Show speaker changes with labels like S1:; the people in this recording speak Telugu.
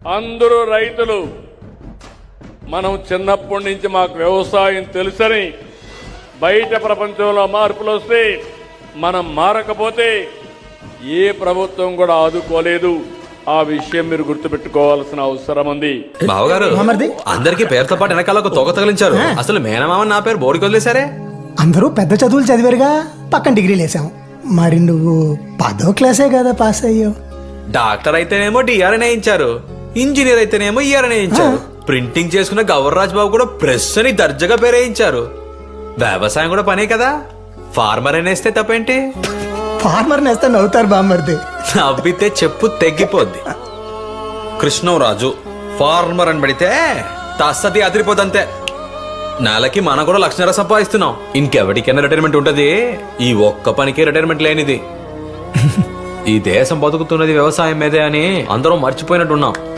S1: అందరూ రైతులు. మనం చిన్నప్పటి నుంచి మాకు వ్యవసాయం తెలుసని బయట ప్రపంచంలో మార్పులు వస్తే మనం మారకపోతే ఏ ప్రభుత్వం కూడా ఆదుకోలేదు. ఆ విషయం మీరు గుర్తుపెట్టుకోవాల్సిన అవసరం ఉంది.
S2: బావగారు, అందరికి పేరుతో పాటు వెనకాల ఒక తోక తగిలించారు. అసలు మేనమామ నా పేరు బోర్డుకి వదిలేశారే.
S3: అందరూ పెద్ద చదువులు చదివారుగా, పక్కన డిగ్రీలు వేసాం. మరి నువ్వు 10వ క్లాసే కదా పాస్ అయ్యో.
S2: డాక్టర్ అయితేనేమో డిఆర్ వేయించారు, ఇంజనీర్ అయితేనేమో ఈఆర్ వేయించారు, ప్రింటింగ్ చేసుకున్న గవర్రాజ్ బాబు కూడా ప్రెస్ అని దర్జాగా పేరేయించారు. వ్యవసాయం కూడా పనే కదా, ఫార్మర్ అనేస్తే తప్పేంటి?
S3: ఫార్మర్ నేస్తే నవ్వుతారు బామ్మర్ది.
S2: నవ్వితే చెప్పు తెగ్గిపోద్ది. కృష్ణరాజు ఫార్మర్ అని పడితే తస్తది అదిరిపోద్దంతే. నెలకి మనం కూడా 1,00,000 సంపాదిస్తున్నాం. ఇంకెవరికైనా రిటైర్మెంట్ ఉంటది, ఈ ఒక్క పనికి రిటైర్మెంట్ లేనిది. ఈ దేశం బతుకుతున్నది వ్యవసాయం మీదే అని అందరం మర్చిపోయినట్టున్నాం.